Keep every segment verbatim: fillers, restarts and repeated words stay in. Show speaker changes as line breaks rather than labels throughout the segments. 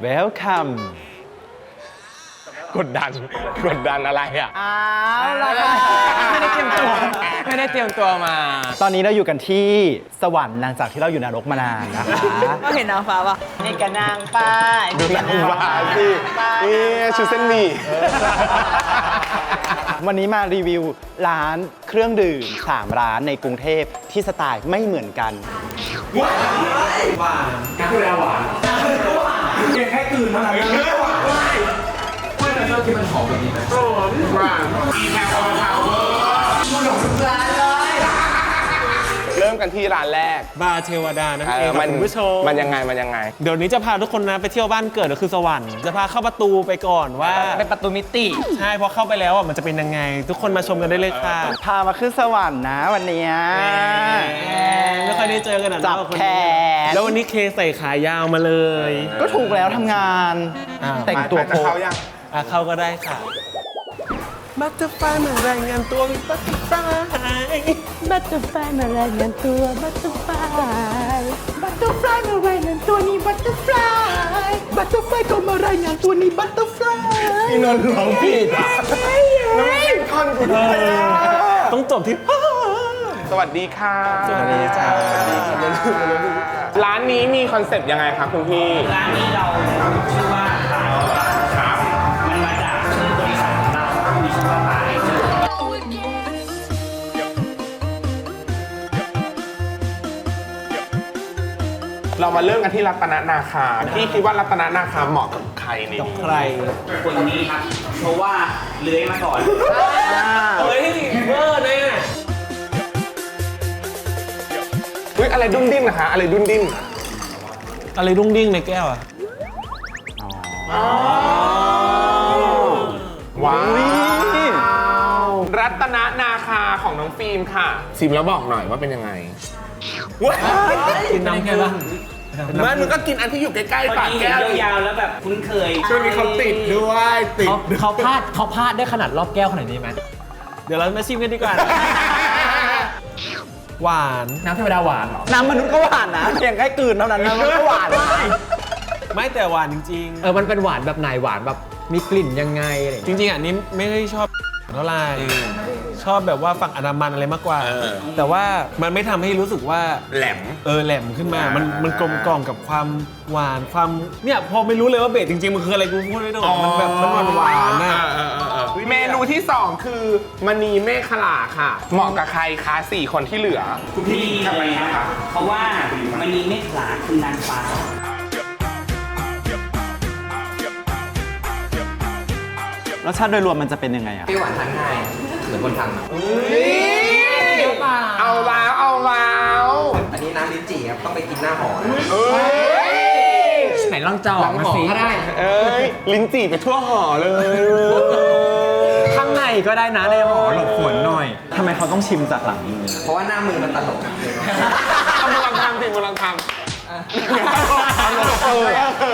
Welcome
กดดันกดดันอะไรอ่ะ
อ้าวล่ะไม่ได้เตรียมตัว
ไม่ได้เตรียมตัวมา
ตอนนี้เราอยู่กันที่สวรรค์หลังจากที่เราอยู่นรกมานานนะคะ
เห็นนางฟ้าปะนี่กระนางป้า
ดูนางฟ้าสินี่ชุดเส้นหมี่
วันนี้มารีวิวร้านเครื่องดื่มสามร้านในกรุงเทพที่สไตล์ไม่เหมือนกัน
เริ่มกันที่ร้านแรก
บาร์เทวดานั่น
เอ
เอ
อง
ค่ะ
มัน
คุณผู้ชม
มันยังไงมันยังไง
เดี๋ยวนี้จะพาทุกคนนะไปเที่ยวบ้านเกิดก็คือสวรรค์จะพาเข้าประตูไปก่อนว่า
เป็นประตูมิติ
ใช่พอเข้าไปแล้วอ่ะมันจะเป็นยังไง ทุกคนมาชมกันได้เลยค่ะ
พามาขึ้นสวรรค์นะวันเนี้ย
ไม่ค่อยได้เจอกันอ่ะ
จับ
เนาะคน
แข
นี้
น
แล้ววันนี้เคใส่ขายาวมาเลย
ก็ถูกแล้วทำงาน
อ้าว
แต่งตัวโป๊ะ
อ่ะเข้าก็ได้ค่ะบัตเตอร์ไฟมารายงานตัวมีบัตเตอร์ไฟ
บัตเตอร์ไฟมารายงานตัวบัตเตอร์ไฟบัตเตอร์ไฟมารายงานตัวนี่บัตเตอร์ไฟบัตเตอร์ไฟก็มารายงานตัวนี่บัตเตอร์ไฟ
พี่นนท์ร้องผิดอ่ะน้องเล่นคอนกูด้วยอ่ะ
ต้องจบที่
สวัสดีค่ะ
สวัสดีจ้า
ร้านนี้มีคอนเซปต์ยังไงครับคุณพี่
ร้านนี้เราชื่อว่าขายครับมันมาจากชื่อบริษัทของเรามีชื่อว่าขาย
เรามาเริ่มกันที่รัตนนาคาพี่คิดว่ารัตนนาคาเหมาะกับใครนี่
ใคร
คนนี้ครับ เพราะว่าเลื้อยมาก่อน
เฮ้ยเวอร์เนี่ย
อุ้ยอะไรดุ้นดิ้นนะคะ อะไรดุ้นดิ้น
อะไรดุ้งดิ้งในแก้วอ่ะ
ว้าวรัตนนาคาของน้องฟิล์มค่ะชิมแล้วบอกหน่อยว่าเป็นยังไง
กินน้ำแก้ว
ไม่มึงก็กินอันที่อยู่ใกล้
พอ
ๆปาก
ดีเห็
แก้
น
ว
ยาวๆแล้วแบบคุ้นเคย
ช่วงนี้เขาติดด้วยติด
เขาเขาพลาดเขาพลาดได้ขนาดรอบแก้วขนาดนี้ไหม
เดี๋ยวเรามาชิมกันดีกว่า หวาน
น้ำเทวดาหวานเหรอ
น้ำมนุษย์ก็หวานนะเพียงแค่กลืนเท่านั้นนะมันก็หวาน
ไม่แต่หวานจริง
เออมันเป็นหวานแบบไหนหวานแบบมีกลิ่นยังไงอะไรอย่าง
ๆ จ
เงี้ย
ริงๆอันนี้ไม่ได้ชอบเท่าไหร่ชอบแบบว่าฝั่งอนามันอะไรมากกว่า แต่ว่ามันไม่ทำให้รู้สึกว่า
แหลม
เออแหลมขึ้นมา มัน
อ่ามั
มันกลมกล่อมกับความหวานความเนี่ยพอไม่รู้เลยว่าเบสจริงๆ มันคืออะไรกูพูดไม่ได้หรอกมันแบบมันหวานหวานๆนะ
เมนูที่สองคือมณีเมฆขลาค่ะ เหมาะกับใครคะสี่คนที่เหลือ
คุณพี่เลยนะครับเพราะว่ามันมีเมฆขลาคือนางฟ้า
รสชาติโดยรวมมันจะเป็นยังไงอะ
เปรี้ยวหวานทานง่ายเหมือนคนทำ
เอาแล้วเอาแล้ว
อันนี้น้ำลิ้นจี่ครับ ต้องไปกินหน้าหอนะ
เอ้ย
ไหนลองจอกมาสิก็ได้
เอ้ยลิ้นจี่ไปทั่วห่อเลย
ข้างในก็ได้นะในหอหลบฝนหน่อย
ทำไมเขาต้องชิมจากหลังมือ
เพราะว่าหน้ามือมันตลก
ทำมึงลองทำสิมึงลองทำเออ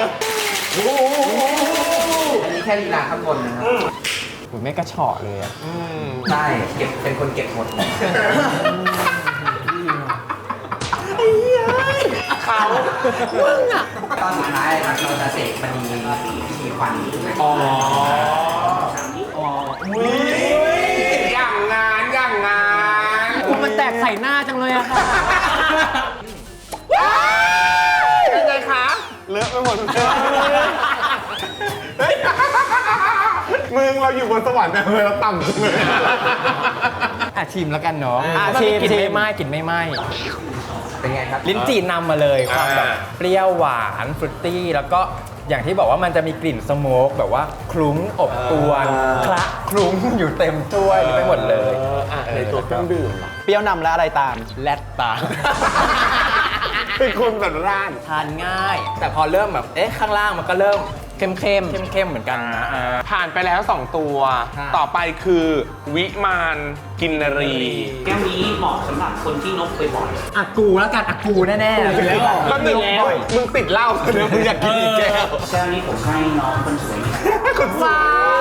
อันนี้แค่ลีลาข้างบนนะครับ
ผมไม่กระเฉาะเลยอะ
ใช่ เก็บ เป็นคนเก็บหมด
เขา
ตอนสุดท้ายครับเราจะเสกมณีพิธีควัน
อ๋ออย่างงานอย่างงาน
มันแตกใส่หน้าจังเลยอะค่ะ
เป็นไงคะเลอะไปหมดเลยเฮ้ยมึงเราอยู่บนสวรรค์แต่ทำไมเราต่ำจังเลย
อ่ะชิมแล้วกันเนาะ
อ่ะ
ว่า
ชิม
กลิ่น
ชิม
ไม่ไหม้กลิ่นไม่ไหม้
เป็นไงครับ
ลิ้นจี่นำมาเลยความแบบ
อ่า
เปรี้ยวหวานฟรุตตี้แล้วก็อย่างที่บอกว่ามันจะมีกลิ่นสโมกแบบว่าคลุ้งอบอวนคละคลุ้งอยู่เต็มถ้วยไปหมดเลย
อ่ะในตัวเครื่องดื่มเหรอ
เปรี้ยวนำและอะไรตาม
แลดตา
เป็นคนแบบร้าน
ทานง่าย แต่พอเริ่มแบบเอ๊ะข้างล่างมันก็เริ่มเข้มเข้มเข้มเข้มๆเหมือนกันนะอ่า
ผ่านไปแล้วสองตัว
ค่ะ
ต่อไปคือวิมานกินนรี
แก้วนี้เหมาะสำหรับคนที่นกบ่อย
อากูแล้วกันอากูแน่ๆ
แล้ว
แล้ว
มึงมึงติดเหล้าเดี๋ยวมึงอยากกินอีกแก้ว
ๆแก้วนี้ผมให้น้องคนสวยนี่
คนสวย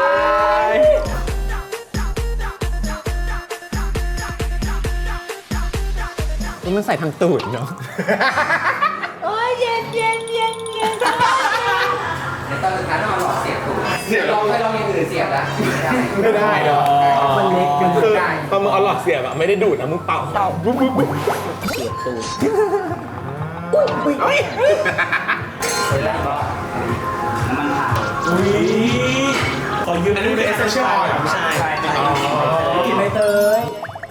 มันใส่ทางตูดเนาะ
โอ้ยเย็นเย็นเย็นเย็น
ถือเสียบแล้วไม่ได้
ไม่ได้เหรอ
มันเล็กมัน
คือ
ได้
ตอนมึงเอาหลอดเสียบอะไม่ได้ดูดนะมึงเป่าเป่าบุ๊บบุ๊บบุ๊บ
เสียบตูด
เฮ้ย
แล้วก็น้ำมันพาย
อุ้ยขอยืม
อันนี้เป็นเอเซนเชียลออยล์เหรอ
ใช่ใช่เป็นไอเดีย
กินใบเตย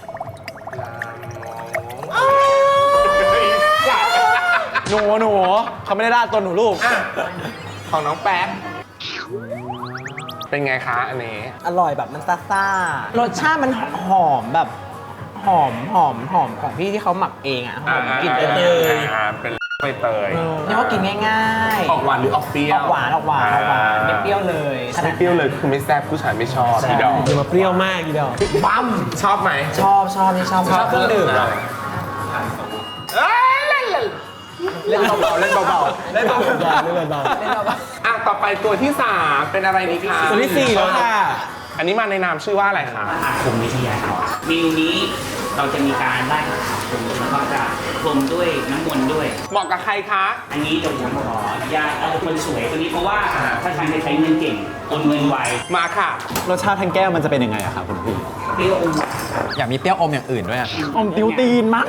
หนูหนูเขาไม่ได้ด่าตัวหนูลูก
อ่ะของน้องแป๊บเป็นไงคะอันนี้
อร่อยแบบมันซ่าๆรสชาติมันหอมแบบหอมหอมหอมของพี่ที่เขาหมักเองอ่ะหอมกลิ่นใบเตย
อ่าเป็นใบเตย
นี่เขากินง่ายๆ
ออกหวานหรือออกเปรี้ยว
ออกหวานออกหวานออกหวานไม่เปรี้ยวเลย
ไม่เปรี้ยวเลยคือไม่แซ่บผู้ชายไม่ชอบพี่ดอก
อย่ามาเปรี้ยวมากอีดอก
ปั๊มชอบไหม
ชอบชอบนี่ชอบ
ชอบเครื่องดื่ม
เอ้ยเล่นเล่น
เล่นเบาๆเล่นเบา
เล่นเบาๆเล่นเบา
อ่ะต่อไปตัวที่สามเป็นอะไรดีคะ
ๆตัวที่สี่แล้วค่ะ
อันนี้มาในนามชื่อว่าอะไรคะ
อาคมวิทยาครับเมนูนี้เราจะมีการไล่อาคมแล้วก็จะพรมด้วยน้ำมนต์ด้วย
เหมาะกับใครคะ
อันนี้เดี๋ยวผมขออนุญาตเอาคนสวยตัวนี้เพราะว่าถ้าทานจะใช้เงินเก่งโอนเงินไว
มาค่ะ
รสชาติทางแก้วมันจะเป็นยังไงอะครับคุณพี่
เปรี้ยวอมหวาน
อยากมีเปรี้ยวอมอย่างอื่นด้วยอะ
อมติวตีนมาก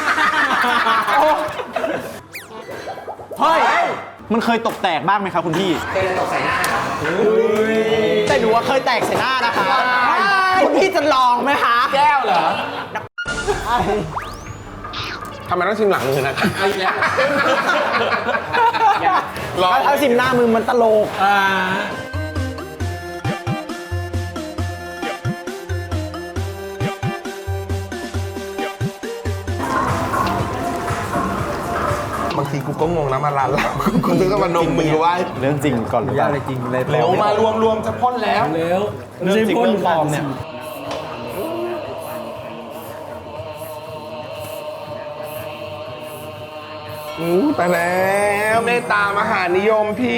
เฮ้ยมันเคยตกแตกบ้างไหมครับคุณพี่
เคยตกใส่หน้าครับ
แต่หนูว่าเคยแตกใส่หน้านะคะคุณพี่จะลองไหมคะ
แก้วเหรอทำไมต้องชิมหลังมือนะคะ
เอาอีกแล้ว
ลอง
ถ้าชิมหน้ามือมันตลก
อ่า
บางทีกูก็งงนะมาร้านเรากูนึกว่ามันนมมือไว้
เรื่องจริงก่อนหรือเป
ยา
ล่า
อะไรจริงเลย
เร็วมารวมรวมจะพ่นแล้ว
เร็ว
เรื่องจริงเรื่องปลอมเนี่ย
อู้ไปแล้วเมตตามหานิยมพี่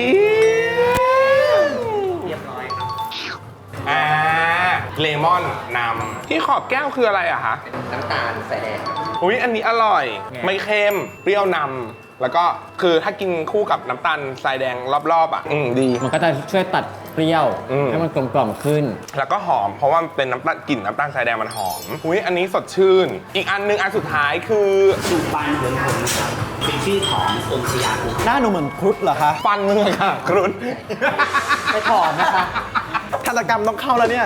เรียบร้อยครับ
อ่าเลมอนนำที่ขอบแก้วคืออะไรอะคะ
น้ำตาลใส่แดง
อุ้ยอันนี้อร่อย ไม่เค็มเปรี้ยวนำแล้วก็คือถ้ากินคู่กับน้ำตาลทรายแดงรอบๆอ่ะอืมดี
มันก็จะช่วยตัดเปรี้ยว
อืม
ให้มันกลมกล่อมขึ้น
แล้วก็หอมเพราะว่ามันเป็นน้ำตาลกลิ่นน้ำตาลทรายแดงมันหอมอุ้ยอันนี้สดชื่น อีกอันหนึงอันสุดท้ายคือ
สูตรบานเหินผลครับเป็นชื่อขององค์สยามกุ
หน้าหนูเหมือนครุฑเหรอคะ
ฟันมึงอะค่ะครุน
ไปถอนนะคะฆาตกรรมต้องเข้าแล้วเนี่ย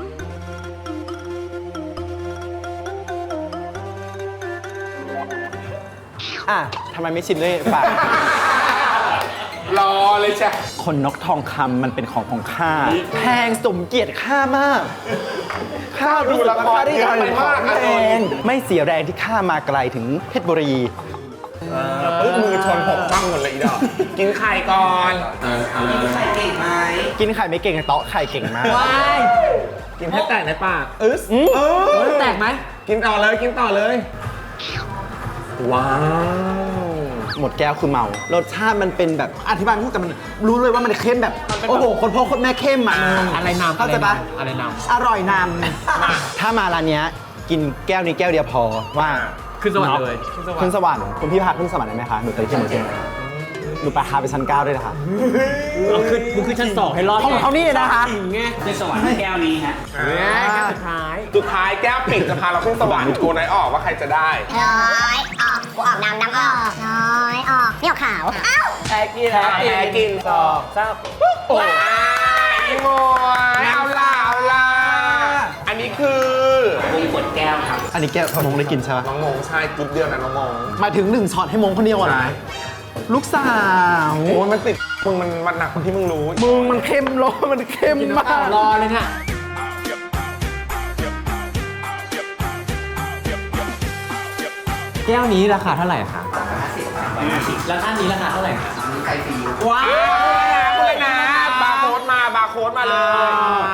อ่ะทำไมไม่ชิมด้วยปาก
รอเลยจ้ะ
คนนกทองคำมันเป็นของของข้า แพงสมเกียรติข้ามาก ข้ารู้สึกว่าข้าได้ทำของแพงไม่เสียแรงที่ข้ามาไกลถึงเพชรบุรี
ปึ๊บมือชนหกตั้งหมดเลยอีดอกกินไข่ก่อน
ใส่เก่งไหม
กินไข่ไม่เก่งแต่เตาะไข่เก่งมาก
กินให้แตกในปากเออเออแตกไหมกินต่อเลยกินต่อเลย ว้าว
หมดแก้วคือเมา รสชาติมันเป็นแบบอธิบายไม่ถูกแต่มันรู้เลยว่ามันเข้มแบบ โอ้โห คนพ่อคนแม่เข้มอ่ะ
อะไรนำ
เข้าใจปะ
อะไรนำ
อร่อยนำถ้ามาร้านเนี้ยกินแก้วนี้แก้วเดียวพอว่า
ขึ้นสวรรค์เลย
ขึ้นสวรรค์คุณพี่พาขึ้นสวรรค์ได้ไหมคะหนูเคยขึ้นหนูขึ้นหนูไปพาไปชั้นเก้าด้วยนะคะ
เอาขึ้นมึงขึ้นชั้นสองให้รอด
ของเขานี่นะคะ
คือสวรรค์แก้วนี้ฮะ
สุดท้าย
สุดท้ายแก้วปิดจะพาเราขึ้นสวรรค์กูไหนออกว่าใครจะได้
น้อยออกกูออกน้ำน้ำออกน้อยออกนี่ออกขาวอ้าว
แพ้กิน
แพ้กิน
สองสาม
โอ้ยอีโมยเอาล่ะเอาล่ะอันนี้คือ
วงกดแก้วครับ
อันนี้แก้วมงได้กินใช่ปะ
น้องมงใช่กรุ๊ปเดียวนะน้องมง
หมายถึงหนึ่งช็อตให้มงคนเดียวอ่ะนะลูกสาว
โอ้ยมันติดมึงมันมันหนักกว่าที่มึงรู้
มึงมันเข้มร้อนมันเข้มมาก
รอเลยน่ะแก้วนี้ราคาเท่าไหร่คะ แล้วท่านนี้ราคาเท่าไหร่คะ
มีไข่ฟรี
ว้าวเลยนะบาร์โค้ดมาบาร์โค้ดมาเลย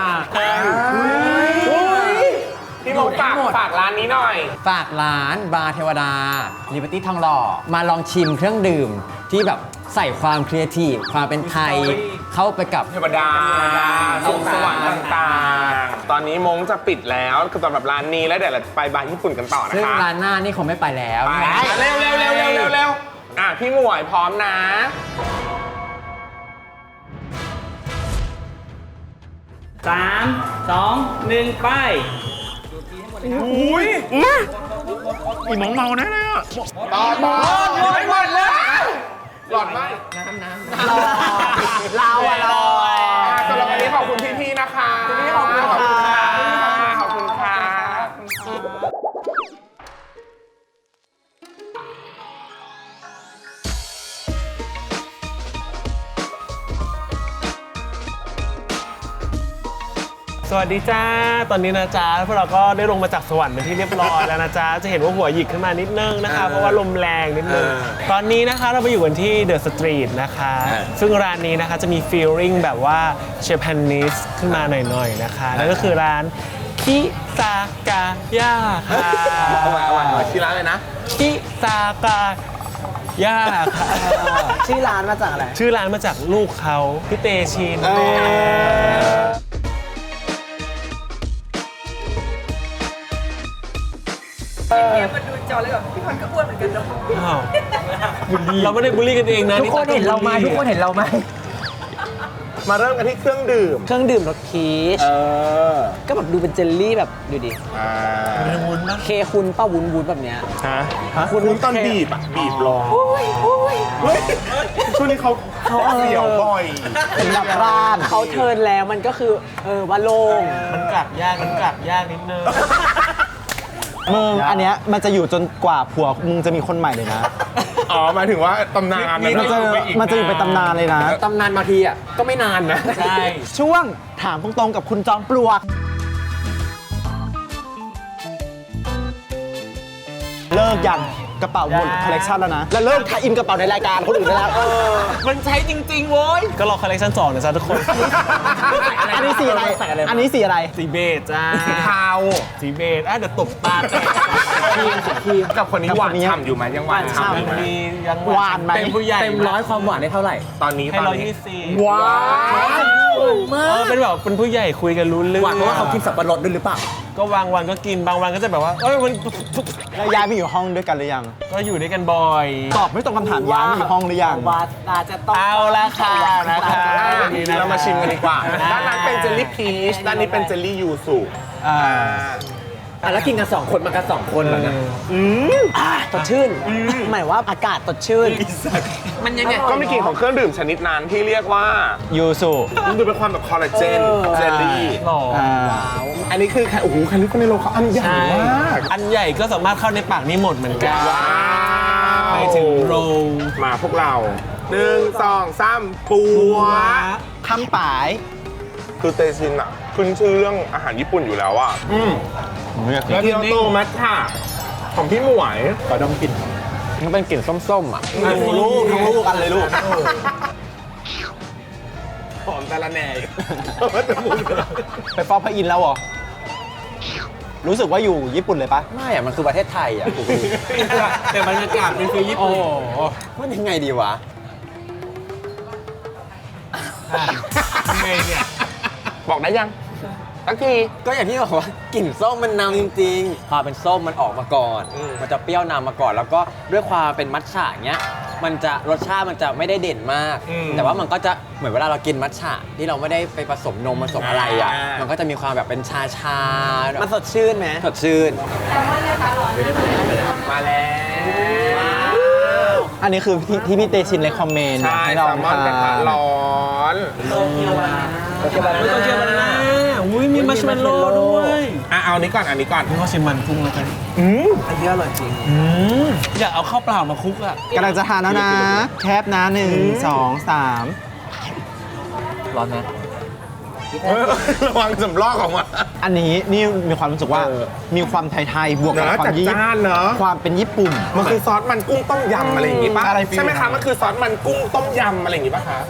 พี่มงฝากฝากร้านนี้หน่อย
ฝากร้านบาร์เทวดา ลิเบอร์ตี้ทองหล่อ มาลองชิมเครื่องดื่มที่แบบใส่ความครีเอทีฟความเป็นไทยเข้าไปกับ
เทวดาสวงสวรรค์ต่างๆ ตอนนี้มงจะปิดแล้วคือสำหรับร้านนี้แล้วเดี๋ยวเราจะไปบาร์ญี่ปุ่นกันต่อนะ
ซึ่ง
คะ
ร้านหน้านี่คงไม่ไปแล้ว
ไปเร็วเร็วเร็วเร็วเร็วเร็วอ่ะพี่หมวยพร้อมนะ
สามสองหนึ่งไป
อุ้ยอีหมองเมาแน่เลยอ่ะหลอดหลอดหลอดหมดเลยหลอดไหมน้ำน้ำเราอะเราสำหรับวันนี้ขอบคุณพี่ๆนะคะพี่ขอบคุณค่ะขอบคุณค่ะ
สวัสดีจ้า ตอนนี้นะจ๊ะพวกเราก็ได้ลงมาจากสวรรค์เป็นที่เรียบร้อยแล้วนะจ๊ะ จะเห็นว่าหัวหยิกขึ้นมานิดนึงนะคะ เพราะว่าลมแรงนิดนึง ตอนนี้นะคะเราไปอยู่กันที่เดอะสตรีทนะคะ ซึ่งร้านนี้นะคะจะมีฟีลลิ่งแบบว่าเชฟแพนนิสขึ้นมาหน่อยๆนะคะ นั่นก็คือร้านคิซากาย่าค่ะ
เอาไว้เอาไว้เอาไว้ชื่อร้านเลยนะ
คิซากาย่าค่ะ
ชื่อร้านมาจากอะไร
ชื่อร้านมาจากลูกเขาพี่เตชิน
มันดูจอเลยแบบพี่พันก็อ้วนเหมือนกันเนาะ
อ้าวเราไม่ได้บูลลี่กันเองนะ
ทุกคนเห็นเราไหมทุกคนเห็นเราไหม
มาเริ่มกันที่เครื่องดื่ม
เครื่องดื่มรสพีช
เออ
ก็แบบดูเป็นเจลลี่แบบดูดิ
อ่า
เคคุณป้าวุ้นวุ้นแบบเนี้ย
ฮะคุณตอนบีบอ่ะบีบลงเฮ้ยช่วงนี้เขาเขาเสียวบ่อย
เป็นแบบร้านเขาเทิร์นแล้วมันก็คือเออว่าโล่ง
มันกลับยากมันกลับยากนิดนึง
มึงอันเนี้ยมันจะอยู่จนกว่าผัวมึงจะมีคนใหม่เลยนะ
อ๋อหมายถึงว่าตำนาน
มันจะมันจะอยู่เป็นตำนานเลยนะ
ตำนานบางทีอ่ะก็ไม่นานนะ
ใช่
ช่วงถามตรงๆกับคุณจอมปลวก เลิกยังกระเป๋าหมดคอลเลกชันแล้วนะ แล้วเลิกทายอินกระเป๋าในรายการคนอื่นได้แล้ว
มันใช้จริงๆโว้ยก็รอคอลเลคชันสองนะจ๊ะทุกคน
อันนี้สีอะไร อันนี้สีอะไร
สีเบจจ้า
สีเทา
สีเบจอ่ะเดี๋ยวตบตาแตก
กับคนนี้หวานฉ่ำอยู่ไหมยังหวานฉ่ำอยู่ไหม
มียัง
หวานไหม
เป็นผู้ใหญ่
เต็มร้อยความหวานได้เท่าไหร่
ตอนนี้
ให้
ตอน
ร้อย
นี้
ยี่สิบ
ว้าว
เออเป็นแบบเป็นผู้ใหญ่คุยกันรู้เรื่อง
หวานเพราะว่าเขากินสับปะรดด้วยหรือเปล่า
ก็บางวันก็กินบางวันก็จะแบบว่าเอ้ยมัน
แล้วย้ายไปอยู่ห้องด้วยกันหรือยัง
ก็อยู่ด้วยกันบ่อย
ตอบไม่ตรงคำถามย้ายไปอยู่ห้องหรือยัง
ว่าอาจจะต้อง
เอาละค่ะนะคะ
เรามาชิมกันดีกว่า ด้านนั้นเป็นเจลลี่พีช ด้านนี้เป็นเจลลี่ยูสุ
อ่า
อ่ะแล้วกินกันสองคนมากันสองคนเหรอเนี่ย
สดชื่นหมายว่าอากาศสดชื่น
มันยังไง
ก็มีกลิ่นของเครื่องดื่มชนิดนั้นที่เรียกว่า
ยูสุ
มันดูเป็นความแบบคอลลาเจน เจลลี่
หล่อ
อ่า
อันนี้คือโอ้โหแคลิฟอร์เนียโรลเขาอันใหญ่
ใช่
มาก
อันใหญ่ก็สามารถเข้าในปากนี้หมดเหมือนกัน
ว้าว
ไปถึงโรล
มาพวกเราหนึ่งสองสามปัว
คำป่าย
คือเตชินอ่ะขึ้นชื่อเรื่องอาหารญี่ปุ่นอยู่แล้วอ่ะ อืม
แล้ว
เกียวโตมัทฉะของพี่หมวย
ขอดมกลิ่น
มันเป็นกลิ่นส้มๆอ่ะ
ทั้งลูกทั้งลูกกันเลยลูก
หอมแต่ละแหน่
ไปฟอกพระอินทร์แล้วเหรอ รู้สึกว่าอยู่ญี่ปุ่นเลยปะ
ไม่อ่ะ มันคือประเทศไทยอ่ะ
แต่บรรยากาศเป็นคือญี่ปุ่น
มันยังไงดีวะ
ทำไงเนี่ย
บอกได้ยังสักที
ก็อย่างที่บอกว่ากลิ่นส้มมันนำจริงๆความเป็นส้มมันออกมาก่อน มันจะเปรี้ยวนำมาก่อน แล้วก็ด้วยความเป็นมัทฉะเงี้ย มันจะรสชาติมันจะไม่ได้เด่นมาก แต่ว่ามันก็จะเหมือนเวลาเรากินมัทฉะที่เราไม่ได้ไปผสมนมผสมอะไรอ่ะ มันก็จะมีความแบบเป็นชาชาๆมันสดชื่นไหมสดชื่น
มาแล้ว
อันนี้คือที่ที่พี่เตชินเลยคอมเมนต์
ใช่
ให้
แซ
เรา
ลมอนกระทะร้อน
ไม่ต้องเกี่ยวกันนะอุ้ยมีมัชเมลโล่ด้วย
อ่ะเอาอันนี้ก่อนอันนี้ก่อน
นี่ก็ชิมมันกุ้งแล้วกัน
อืม
อันนี้อร่อยจริง
อืมอยากเอาข้าวเปล่ามาคลุกอ่ะ
กำลังจะทานแล้วนะ แคปนะหนึ่งสองสาม
ร้อนไหม
เออระวังสำลอกของมัน
อันนี้นี่มีความรู้สึกว่า
เออ
มีความไทยๆบวกกับ
เนอะ
ความญี่
จัดจ้านเนอะ
ความเป็นญี่ปุ่น
มันคือซอสมันกุ้งต้มยำอะไรอย่างงี้ป่ะ
อะไรฟิล
ใช่ไหมคะมันคือซอสมันกุ้งต้มยำอะไรอย่างงี้ป่ะคะ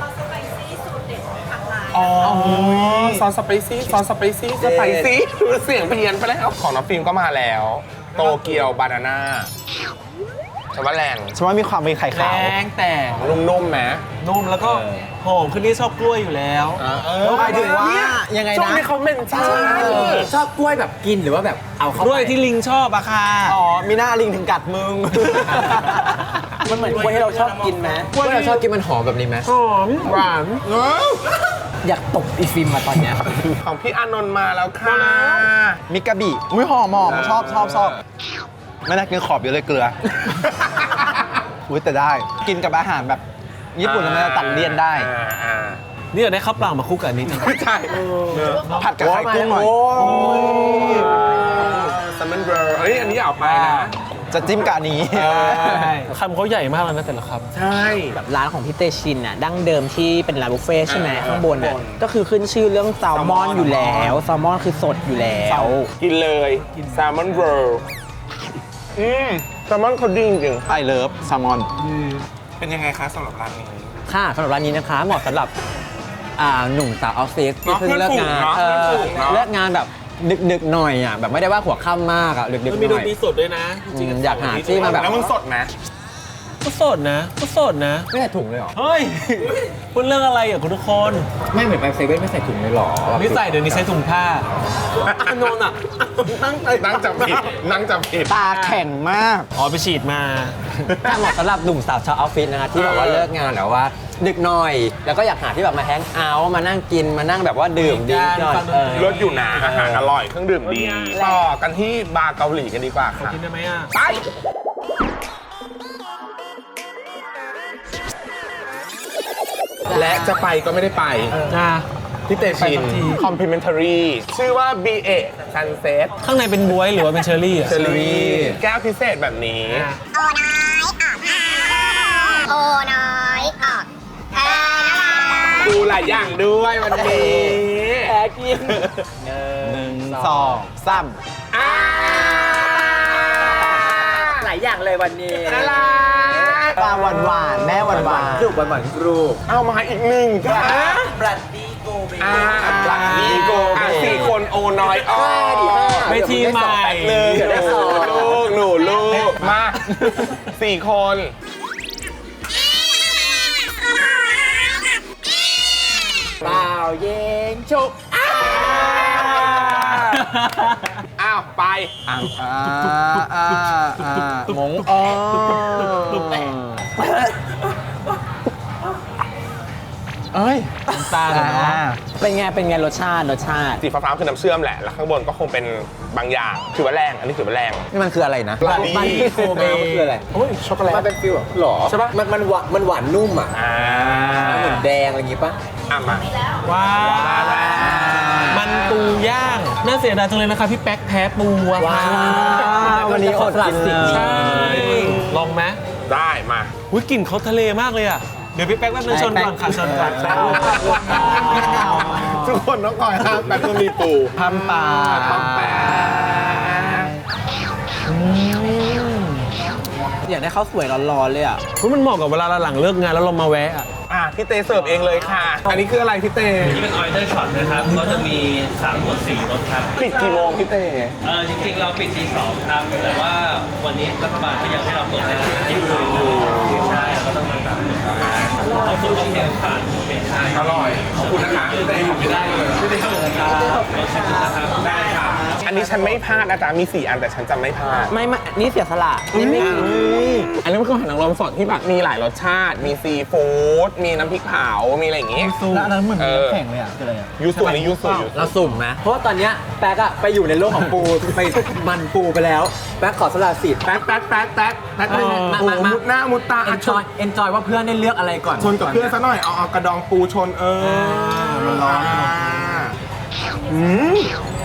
อ๋อซอสสไปซี่ซอสสไปซี่สไปซี่เสียงเพี้ยนไปแล้วของน้องฟิล์มก็มาแล้ว โตเกียวบานาน่าฉันว่าแรง
ฉันว่ามีความเป็นไข่
แร
ขาว
งแต่
นุ่มๆไหม
นุ่มแล้วก็หอมคือนี่ชอบกล้วยอยู่แล้ว
เออ
หมายถึงว่ายังไง
ช่วง
นะ
นี้เขาเมนชั่น
ชอบกล้วยแบบกินหรือว่าแบบเอาเข้าก
ล้วยที่ลิงชอบอะค่ะ
อ๋อ มีหน้าลิงถึงกัดมึง
มันเหมือนกล้วยที่เราชอบกินไหมกล้วยที่เราชอบกินมันหอมแบบนี้ไหม
หอม
หวานเออ
อยากตบอีฟิล์มมาตอนเนี้ย
ของพี่อานนท์มาแล้วค่ะ
มิกาบิอุ้ยหอมหอมชอบชอบชอบไม่น่ากินขอบเยอะเลยเกลือ อุ้ยแต่ได้กินกับอาหารแบบญี่ปุ่นมันจะตัดเลี่ยนได้
อ่าอ่า
นี่เราได้ข้าวเปล่ามาคู่กับอันนี้จัง
ไม่ใช่
ผัดกับไข่กุ้งหน่อย
ซัมมอนเบอร์เฮ้ยอันนี้เอาไปนะ
จะจิ้มกับอันนี้
คำเขาใหญ่มากเลยนะแต่ละค
ใช่
แบบร้านของพี่เตชินน่ะดั้งเดิมที่เป็นร้านบุฟเฟ่ต์ใช่ไหมข้างบนน่ะก็คือขึ้นชื่อเรื่องแซลมอนอยู่แล้วแซลมอนคือสดอยู่แล้ว
กินเลยแซลมอนเบอร์อืมแซลมอนเขาดีจริง
ไอเลิฟแซลมอน
ๆเป็นยังไงคะสำหรับร้านนี้
ค่ะสำหรับร้านนี้นะคะเหมาะสำหรับอ่าหนุ่มสาวออฟฟิศที่
เนาะ
เพิ่งเลิกงาน
เพื่อนฝูงเนาะ
เออเลิกงานแบบดึกๆหน่อยอ่ะแบบไม่ได้ว่าหัวค่ำมากอ่ะดึก
ำ
ๆ
มัน
ห
มีด
น่
น
อย
ตรีสดด้วยนะจริง
อืม
ๆ
อยากหาที่มาแบบ
แล้วมึงสดไหม
ก็สดนะก็สดนะ
ไม่ใส่ถุงเลยเหรอ
เฮ้ยพูดเรื่องอะไรอ่ะคุณทุกคน
ไม่เหมือนไปเซเว่นไม่ใส่ถุงเลยเหรอ
นี่ใส่เดี๋ยวนี้ใช้ถุงผ้าอันนนท์อ่ะ
นั่งนั่งจับผิดนั่งจับผิด
ตาแข็งมาก
อ๋อไปฉีดมา
ถ้าเหมาะสำหรับหนุ่มสาวชาวออฟฟิศนะคะที่แบบว่าเลิกงานแล้วว่าดึกหน่อย แล้วก็อยากหาที่แบบมาแฮงเอาท์มานั่งกินมานั่งแบบว่าดื่มดิ้งหน่อย
ฟังดนตรี
เออ
รสอยู่นะอาหารอร่อยเครื่องดื่มดี ต่อกันที่บาร์เกาหลีกันดีกว่าค่ะ
กินได้ไหมอ่ะ
ไป และจะไปก็ไม่ได้ไป
อ่ะ
พี่เตชิน
ไปสักที
complimentary ชื่อว่า บี เอ Sunset
ข้างในเป็นบ๊วยหรือว่าเป็นเชอร์รี่อ่ะ
เชอรี่แก้วพิเศษแบบนี้
โอ้น้อยออกโอ้น้อยออกเออน่ารัก
ดูหลายอย่างด้วยวันนี้
แพ้กิน
หนึ่งสองสาม
อ่า
หลายอย่างเลยวันนี้
น่ารัก
ปลาหวานหวานๆแม่หวานหวาน
กรุบหวานๆกรุบ
เอามาอีกหนึ่งค่ะ
บรัดดี้โกเบ
อ่าบลักดีโกอ่ะสี่คนโอน้อยอ้อ
เวทีใหม่
หนึ่งหนูลูกหนูลูกมาสี่คน
เปล่าเย็นชุบ
อ้าวไป
อ่าอ่าอ่ามงอ๋อเอ้ย
ตาเลยเนาะ
เป็นไงเป็นไงรสชาติรสชาติ
สีฟ้าๆคือน้ำเชื่อมแหละ แล้วข้างบนก็คงเป็นบางอย่างถือว่าแรงอันนี้ถือว่าแรง
นี่มันคืออะไรนะ
บรัดดี้
บรัดดี้โกเบมันคืออะไร
โอ้ยช็อกโกแลต
มันเป็นฟิลแบบหรอใช่ปะมันมันหวานมันหวานนุ่มอ่ะ
อ่า
เหมือนแดงอะไรอย่างงี้ปะ
อ่ะมา
ว้าวมันปูย่างน่าเสียดายจังเลยนะคะพี่แป๊กแพ้ปูอะค่ะ
วันนี้อดกินสิ่งนี้
ใช่ลองไหม
ได้มา
อุ้ยกลิ่นเขาทะเลมากเลยอ่ะเดี๋ยวพี่แป๊กแป๊บนึงชนก่อนค่ะชนก่อน
ทุกคนต้องคอยห้ามแป๊บนึงมีปู
ทำปลา
ปั๊มแป๊บ
อยากได้ข้าวสวยร้อนๆเลยอ่ะ
อุ๊ยมันเหมาะกับเวลาเราหลังเลิกงานแล้วเรามาแวะอะ
อ่ะพี่เตเสิร์ฟเองเลยค่ะ อันนี้คืออะไรพี่เต
นี่เป็นออยเดอร์ช็อตนะครับ ก็จะมีสามหมวดสี่รสครับ
ปิดกี่โมงพี่เต
เออจริงๆ เราปิดตีสองครับ แต่ว่าวันนี้รัฐบาลก็ยังให้เราเปิดได้ถึงยี่สิบสี่ใช่เราก็ต้องมาตามเอาสูตรของเทียมผ่านเป็นใช่
อร่อย ขอบคุณนะคะพี่เตไม่ได้เลย
ไม่ได้เลยครับรสชาตินะครับได้ครับ
อันนี้ฉันไม่พลาดนะจ๊ะมีสี่อันแต่ฉันจะไม่พลาด
ไม่ไม่นี่เสียสละนี่ไม่
อันนี้มันคืออาหารนางรมสดที่แบบมีหลายรสชาติ มีซีฟู้ด มีน้ำพริกเผา มีอะไรอย่างงี้
แล้วอันนั้นเหมือน
เออ
แข็งเลยอ่ะคืออะไรอ่ะ
ยูสุอันนี้ยูสุยูสุ
เราสุ่มไหมเพราะว่าตอนเนี้ยแป๊กอะไปอยู่ในโลกของปู ไปมันปูไปแล้ว แป๊กขอสละสิทธิ์
แป๊กแป๊กแป๊กแป๊กแป๊ก
เออมามามา
มุดหน้ามุดตา
เอนจอยเอนจอยว่าเพื่อนได้เลือกอะไรก่อน
ชนกับเพื่อนซะหน่อย เอาเอากระดองปูชนเออร้อนอืม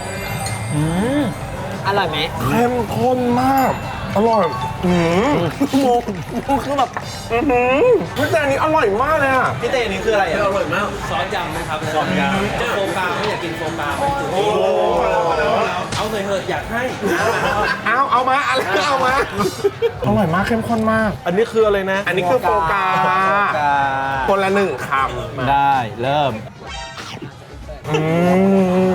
อร่อยไหม
เข้มข้นมาก อร่อย อืมโมโมคือแบบอือหือพี่แต่อันนี้อร่อยมากเลยอ่ะ
พี่เต้นี่คืออะไรอ่ะ
อร่อยมาก ซอสยำนะครับซอสยำโฟกาไม่อยากกินโฟกา
โอ้โห
เอาเลยเถอะอยากให้
เอาเอามาอะไรก็เอามา อร่อยมากเข้มข้นมาก
อันนี้คืออะไรนะ
อันนี้คือโฟกา คนละหนึ่งค
ได้เริ่ม
ำอืม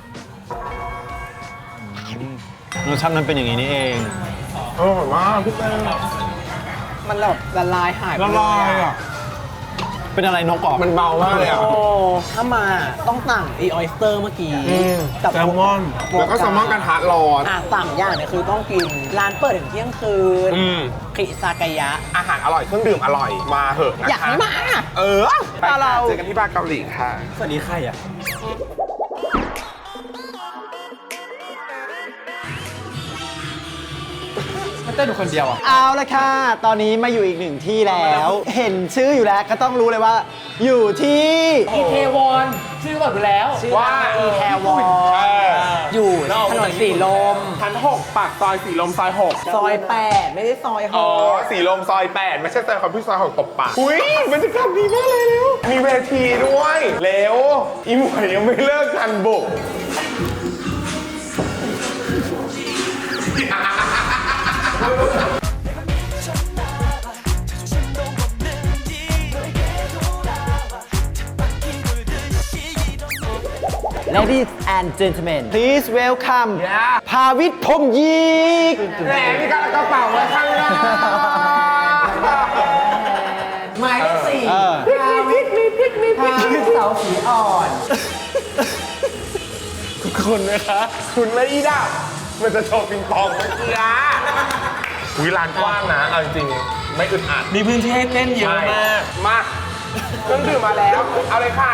รสชาติมันเป็นอย่างนี้นี่เอง
อร่อยมากพี่เต้
มันแบบละลายหายไป
ละลายอ่ะ
เป็นอะไรนกกรอบ
มันเบามากเลยอ่ะ
ถ้ามาต้องสั่งอีออยสเตอร์เมื่อกี้กับ
แซลมอน
แล้วก็แซลมอนกระทะร้อน
อ่ะสามอย่างเนี่ยคือต้องกิน ร้านเปิดถึงเที่ยงคืน
อืม
คิซากายะ
อาหารอร่อยเครื่องดื่มอร่อยมาเหอะนะคะ
อยากให้มา
เออไป
เรา
ค่ะเจอกันที่บาร์เกาหลีค่ะ
สวัสดีใครอ่ะ มันเต้นอยู่คนเดียวอ่ะ
เอาละค่ะ ตอนนี้มาอยู่อีกหนึ่งที่แล้ว เห็นชื่ออยู่แล้วก็ต้องรู้เลยว่า อยู่ที่
อีเทวอนชื่อบอกอยู่แล้ว
ว่า
อีแทวอน
เออ
อยู่ถนนสีลม
ชั้นหกปากซอยสีลมซอยหก
ซอยแปดไม่ได้ซอยห
อ๋อก สีลมซอยแปดไม่ใช่ซอยคอมพิวซอยหกตบปากอุ้ยบรรยากาศดีมากเลยเร็วมีเวทีด้วยเร็วอีหมวยยังไม่เลิกกันบุก
Ladies and gentlemen please welcome ภาวิทย์พรหมยีก
แหมมีการกระเป๋าไว้ข้างหน้า
หมายเลขสี่ภาวิทย์มีพริกมีพริกภาวิทย์เสาสีอ่อน
คุณนะคะคุณไม่อีดับมันจะโชว์ปิงปองเมื่อกี้อะวิลานกว้างนะเอาจริงๆไม่อึดอัด
มีพื้นที่ให้เต้นเยอะมาก
มาเครื่องดื่มมาแล้ว เอาเลยค่ะ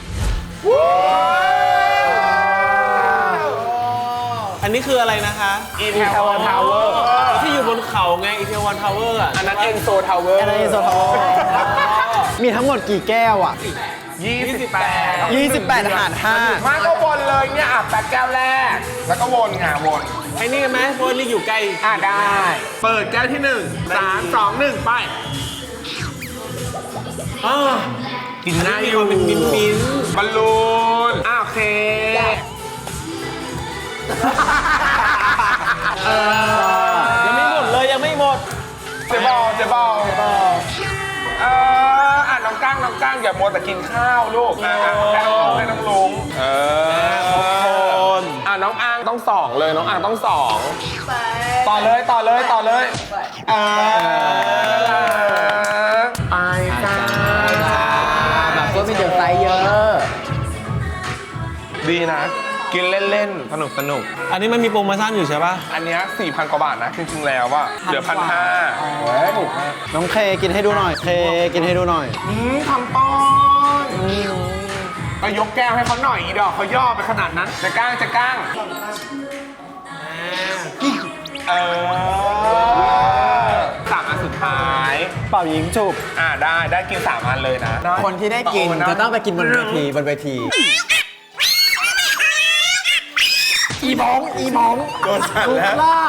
อันนี้คืออะไรนะคะ
อีเทวอนทาวเวอร์
ที่อยู่บนเขาไงอีเทวอนทาวเวอร์อ่ะ
อันนั้นเอ็นโซทาวเวอร์
อันนั้นเอ็นโซทาวเวอร์ มีทั้งหมดกี่แก้วอ่ะ
ยี่สิบแปด
ยี่สิบแปดหารห้า
มาก็วนเลยเนี่ยอ่ะแปดแก้วแรก แล้วก็วนงาวน
ไอ้นี่กันไหมเพราะว่านี่อยู่ใกล้
อ่ะได้ เปิดแก้วที่หนึ่งสามสองหนึ่งไป
อ้า
กินง่าย
มี
อ
ค
ยู่
วามเป็นมิ้นมิ้น
บอลลูนอ่ะโอเคเออ
ยังไม่หมดเลยยังไม่หมด
เจ๊บอลเจ๊บอลเอออ่ะน้องก้างน้องก้างอย่ามัวแต่กินข้าวลูกอ่ะอ่ะให้น้องให้น้องลุงเอออ่ะน้องอังต้องสองเลยน้องอังต้องสองต่อเลยต่อเลยต่อเลยเออไปจ้า
แบบว่ามีเดือดไซส์เยอะ
ดีนะ กินเล่นๆ สนุกสนุก
อันนี้มันมีโปรโมชั่นอยู่ใช่ปะ
อันเนี้สี่พันกว่าบาทนะ จริงๆแล้วว่าเหลือพันห้า
น้องเคกินให้ดูหน่อย เคกินให้ดูหน่อย
อืมทำป้อนก็ยกแก้วให้เขาหน่อยอีดอกเขาย่อไปขนาดนั้น จะก้างจะก้างเออสามอันสุดท้าย
เป่ายิงฉุบ
อ่าได้ได้กินสามอันเลยนะ
คนที่ได้กินจะต้องไปกินบนเวทีบนเวที
อีบองอีบอง
โดนสั่นแล้ว
รอบ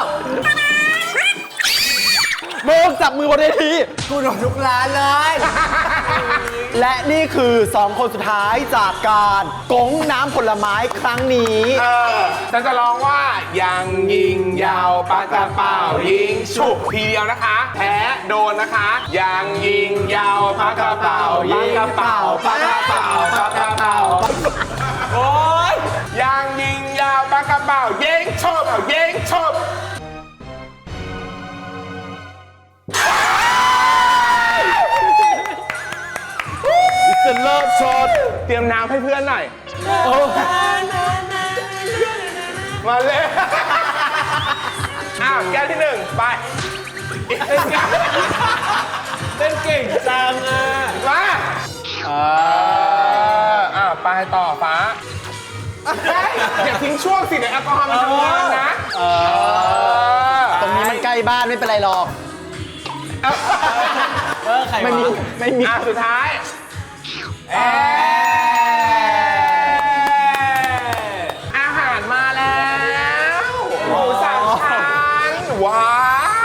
โบกจับมือบนเวที
กูโดนทุกร้านเลย
และนี่คือสองคนสุดท้ายจากการกงน้ำผลไม้ครั้งนี้
เออฉันจะร้องว่ายังยิงยาวปากกระเป๋ายิงฉุบทีเดียวนะคะ แพ้โดนนะคะยังยิงยาวปากกระเป๋ายิงกระเป๋าปากกระเป๋าปากกระเป๋าโอ๊ยยังยิงยาวปากกระเป๋ายิงฉุบเอายิงฉุบจะเลิกชดเตรียมน้ำให้เพื่อนหน่อยมาเลย อ้าวแก้วที่หนึ่งไป
เต้นเก่งจังอ่ะ
มาเอออ้าวไปต่อฟ้าเฮ้ยอย่าทิ้งช่วงสิเดี๋ยวแอลกอฮอล์มันทำงานนะเออ
ตรงนี้มันใกล้บ้านไม่เป็นไรหรอก
เออใคร
ไม่มี
วะ
ไม่มี
อ่ะสุดท้ายเออาหารมาแล้วหมูสามชั้นว้าว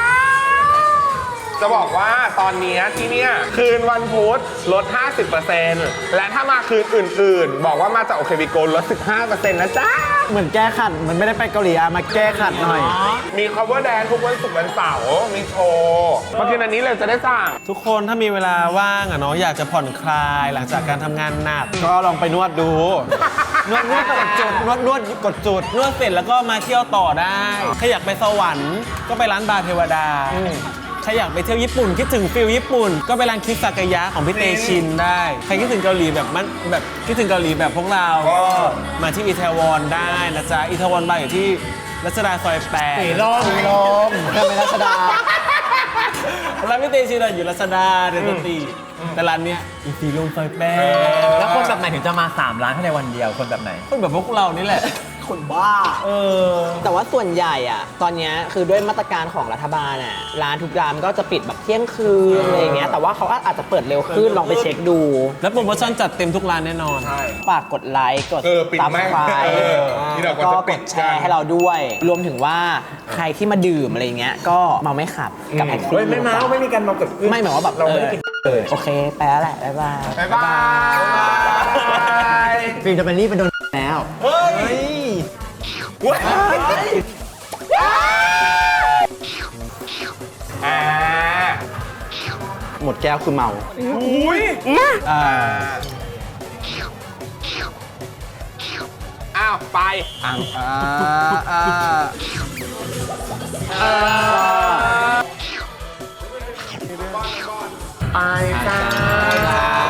จะบอกว่าตอนนี้ที่เนี่ยคืนวันพุธลด ห้าสิบเปอร์เซ็นต์ และถ้ามาคืนอื่นๆ บอกว่ามาจากโอเคบิโกลด สิบห้าเปอร์เซ็นต์ นะจ๊ะ
เหมือนแก้ขัดเหมันไม่ได้ไปเกาหลีอะมาแก้ขัดหน่อย
มี cover dance ทุกวันศุกร์วันเสาร์มีโชว์มาคืนอันนี้เลยจะได้สั่ง
ทุกคนถ้ามีเวลาว่างอ่ะเนาะอยากจะผ่อนคลายหลังจากการทำงานหนัก
ก็ลองไปนวดดู นวดนวดกดจุดนวดนวดกดจุด
นวดเสร็จแล้วก็มาเที่ยวต่อได้ถ้าอยากไปสวรรค์ก็ไปร้านบาร์เทวดาใครอยากไปเที่ยวญี่ปุ่นคิดถึงฟิลญี่ปุ่น ก็ไปร้านคิซากายะของพี่เตชินได้ ใครคิดถึงเกาหลีแบบมันแบบคิดถึงเกาหลีแบบพวกเราก็มาที่อิตาลีได้นะจ๊ะอิตาลีบาร์อยู่ที่รัชดาซอยแปดสีลมสีลมก็เป็นรัชดาร้านพี่เตชินอยู่รัชดาเดนตีแต่ร้านเนี้ยอีสีลมซอยแปด
แล้วคนแบบไหนถึงจะมาสามร้านภายในวันเดียวคนแบบไหน
คนแบบพวกเรานี่แหละ
คนบ้า
เออ
แต่ว่าส่วนใหญ่อะตอนเนี้ยคือด้วยมาตรการของรัฐบาลอะร้านทุกร้านก็จะปิดแบบเที่ยงคืนอะไรอย่างเงี้ยแต่ว่าเขาก็อาจจะเปิดเร็วขึ้นลองไปเช็คดู
แล้วโปรโมชั่นจัดเต็มทุกร้านแน่นอน
ฝากกดไลค์กด
เออปิด
ซับ
แม่ง
ไคร
เออที่เราก็
ก็
จะ
ก
ปิ
ด
ด
แชร์ให้เราด้วย รวมถึงว่าใครที่มาดื่มอะไรเงี้ยก็เมาไม่ขับกับแท็กซี่
ไม่เมาไม่มีการเมาเกิดขึ้น
ไม่หมายว่าแบบเราไม่ได้กินโอเคไปแล้วแหละบ๊ายบาย
บ๊ายบาย
ฟิล์มจะเป็นรีบเป็นโดนแล้ว
เฮ้ยอ่า
หมดแก้วคือเมา
อุ้ย
อ่า
อ้าว ไป
อ่าอ่าอ่า
ไปจ้า